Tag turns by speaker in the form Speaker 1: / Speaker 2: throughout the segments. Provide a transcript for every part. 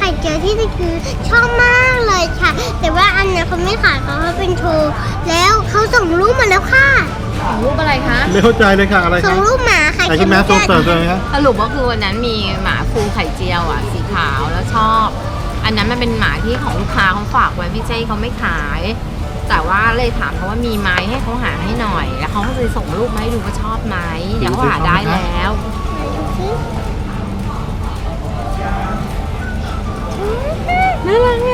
Speaker 1: ข่เจียวที่นี่คือชอบมากเลยค่ะ แต่ว่าอันเนี้ยเขาไม่ขายเขาเป็นโชว์แล้วเขาส่งรูปมาแล้วค่ะ
Speaker 2: รูปอะไรคะ
Speaker 3: ไม่เข้าใจเลยค่ะอะไร
Speaker 1: ส่
Speaker 3: คะ
Speaker 1: งรูปหมาไข่
Speaker 3: ไอ้
Speaker 1: เจี
Speaker 3: ที่
Speaker 1: ยว
Speaker 3: แม่ส่งเสริมเลยครับ
Speaker 2: สรุปก็คือวันนั้นมีหมาฟูไข่เจียวอ่ะสีขาวแล้วชอบ อันนั้นมันเป็นหมาที่ของลูกค้าเขาฝากไว้พี่เจ้เขาไม่ขาย แต่ว่าเลยถามเขาว่ามีไหมให้เขาหาให้หน่อย แล้วเขาก็เลยส่งรูปมาให้ดูว่าชอบไหมเดี๋ยวเขาหาได้แล้ว น่ารักไหม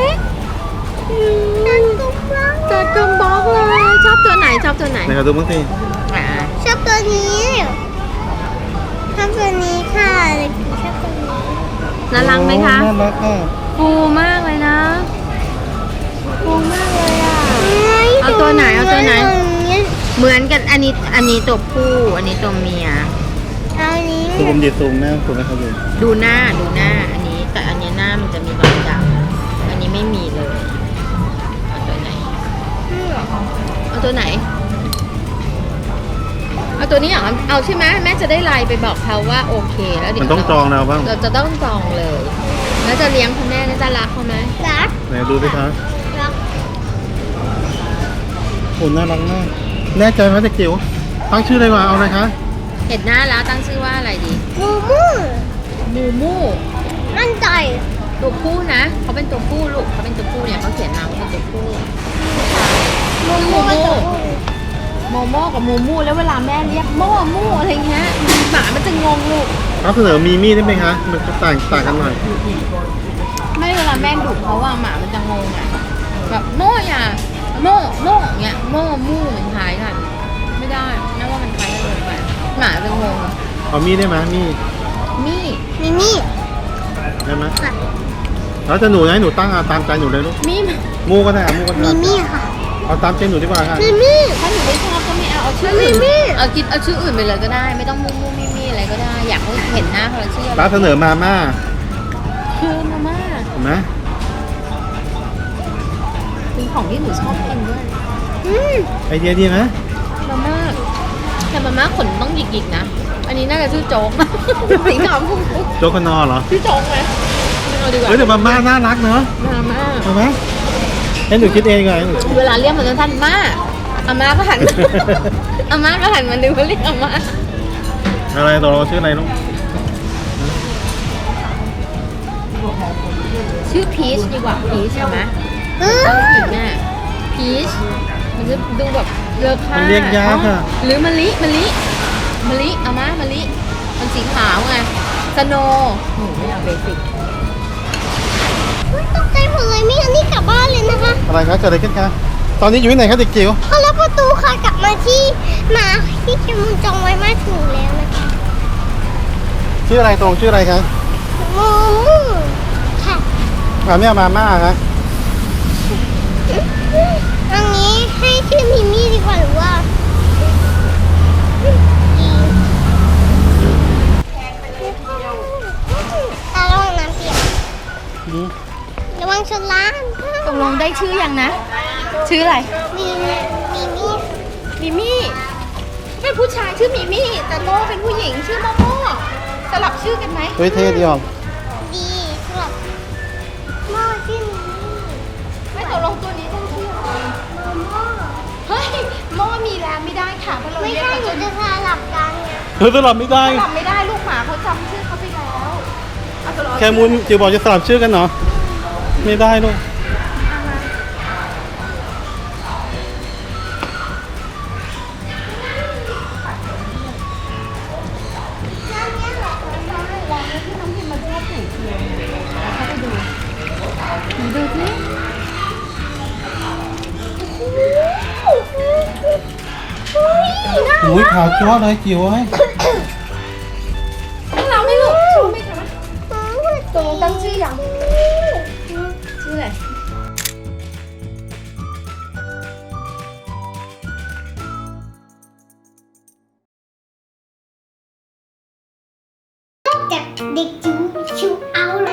Speaker 1: จัดตุ้มบ้าง
Speaker 2: จัดกลมบล็อกเลยชอบตัวไหนชอบตัวไหน
Speaker 3: ไหนขอดูมั้งสิ
Speaker 2: อ่า
Speaker 1: ชอบตัวนี้ชอบตัวนี้ค่ะเด็กชอบตัวนี้
Speaker 2: น่ารักไหมคะ
Speaker 3: น่ารักค่ะ
Speaker 2: ฟูมากเลยนะฟูมากเลยอ่ะ เอา
Speaker 1: เอา
Speaker 2: ตัวไหนเอาตัวไหน
Speaker 1: ตัวนี้
Speaker 2: เหมือนกันอันนี้ตัวผู้อันนี้ตัวเมีย
Speaker 1: เอาอันนี้
Speaker 3: ซูมดิซูมหน้าซูมนะครับดู
Speaker 2: ดูหน้าอันนี้ แต่อันนี้หน้ามันจะมีรอยดำอันนี้ไม่มีเลยเอาตัวไหนเอาตัวไหนเอาตัวนี้เหรอเอาใช่ไหมแม่จะได้ไลน์ไปบอกเขาว่าโอเคแล้วเดี๋ยว
Speaker 3: มันต้องจองแล้วบ้าง
Speaker 2: เราจะต้องจองเลย แล้วจะเลี้ยงคุณแม่แล้วจะรักเขาไหม
Speaker 1: รัก
Speaker 3: ไหนดูสิคะ
Speaker 1: รัก
Speaker 3: โอ้น่ารักมากแน่ใจไหมเด็กจิ๋วตั้งชื่ออะไรวะเอาอะไรคะ
Speaker 2: เห็นหน้าแล้วตั้งชื่อว่าอะไรดี
Speaker 1: มูมู
Speaker 2: มูมู
Speaker 1: มั่นใจ
Speaker 2: ตัวผู้นะเขาเป็นตัวผู้ลูกเขาเป็นตัวผู้เนี่ยเขาเขียนมาว่าเป็นตัวผู้
Speaker 1: มูมู
Speaker 2: โมโม่กับมูมูแล้วเวลาแม่เรียกโมมูอะไรเงี้ยหมามันจะงงลูก
Speaker 3: รับเสนอมีมี่ได้ไหมคะมันจะต่างกันหน่อย
Speaker 2: ไม่เวลาแม่ดุเขาว่าหมามันจะงงอ่ะแบบโมอย่าโมเงี้ยโมมูมันคล้ายกันไม่ได้น่าว่ามันคล้ายกันเลยไปหมาจะงง
Speaker 3: เอามี่ได้ไหมมี่
Speaker 2: มี่
Speaker 1: มิมี่
Speaker 3: ได้ไหมแล้วจะหนูนะหนูตั้งตามใจหนูเลยลูก
Speaker 2: มี่
Speaker 3: มูก็ได้มูก็
Speaker 1: มิ
Speaker 3: ได้
Speaker 1: มี่ค่ะ
Speaker 3: เอาตามใจหนูดีกว่าค่ะ
Speaker 1: มิมี่
Speaker 2: ถ้าหนูไม่ชอบก็ไม่เอาชื่ออื่นเอาชื่ออื่นไปเลยก็ได้ ไม่ต้องมูมูมี่อะไรก็ได้ อยากให้เห็นหน้าเขาชื่ออะไร
Speaker 3: รับเสนอมาม่า
Speaker 2: ชื่อมาม่า
Speaker 3: เห็นไหม
Speaker 2: เป็นของที่หนูชอบกินด้วย
Speaker 3: ไอเดียดีไหม
Speaker 2: มาม่าแต่มาม่าขนต้องหยิกๆนะ อันนี้น่าจะชื่อโจ๊ก สีขาวพุ่ง
Speaker 3: โจกคนอเหรอ
Speaker 2: ชื่อโจ๊กไหมไม่เอาดีกว่า
Speaker 3: เฮ้ยแต่มาม่าน่ารักเนอะ
Speaker 2: มาม่า
Speaker 3: เอาไหมให้หนูคิดเองก่อนให้หนูคิด
Speaker 2: เวลาเรียกมันสั้นๆม่าอาม่าก็หัน อาม่าก็หันมาดูเขาเรียกอาม่า
Speaker 3: อะไรตัวเราชื่ออะไรลูก
Speaker 2: ชื่อพีชดีกว่าพีชใช่ไหม ตั้งผิดแน่พีชมันจะดูแบบเลอค่า
Speaker 3: มันเรียกยากค่ะ
Speaker 2: หรือมะลิเอามามะลิมันสีขาวไงสโนโอ้ไม่เอาเบสิก
Speaker 1: ตกใจหมดเลยไม่งั้นนี่กลับบ้านเลยนะคะ
Speaker 3: อะไรคะเกิดอะไรขึ้นคะตอนนี้อยู่ที่ไหนคะเด็กจิ๋ว
Speaker 1: เขาล็อกประตูค่ะกลับมาที่หมาที่เคมุนจองไว้มาถึงแล้วนะคะ
Speaker 3: ชื่ออะไรตรงชื่ออะไรคะ
Speaker 1: มูมูค่ะ
Speaker 3: ไม่เอามาม่าคะ
Speaker 1: อันนี้ให้ชื่อมิมี่ดีกว่าหรือว่าระวังน้ำเปียกระวังชนล้าน
Speaker 2: ตกลงได้ชื่อยังนะ ชื่ออะไร
Speaker 1: มีมี่
Speaker 2: มิมี่เป็นผู้ชายชื่อมิมี่แต่โมเป็นผู้หญิงชื่อโมโมสลับชื่อกันไหม
Speaker 3: เฮ้ยเท่ดีออก
Speaker 1: ดีสำหรับหม้อชื่อมิมี่
Speaker 2: ไม่ตกลงตัวนี้ต้องชื่ออะไร
Speaker 1: หม้อ
Speaker 2: เฮ้ยโมมีแล้วไม่ได้ค่ะเพราะเรา
Speaker 1: ไม่
Speaker 2: เรียก
Speaker 1: ใช่
Speaker 2: เขา
Speaker 1: หนู
Speaker 2: จน
Speaker 1: จะสลับกันไง
Speaker 3: เธอสลับไม่ได้
Speaker 2: จำไม่ได้ลูกหมาเขาจำชื่อเขาไปแล้วเอาตัวเรา
Speaker 3: แค่มุนจิ๋วบอกจะสลับชื่อกันเหรอไม่ได้ลูก
Speaker 2: ดูสิ
Speaker 3: อุ้ยขาวจ้วเลยจิ๋วเอ้ย
Speaker 2: เราไม่ลูกชอบไหมคะตกลงตั้งชื่อยังชื่ออะไร
Speaker 1: จากเด็กจิ๋วชิวเอาท์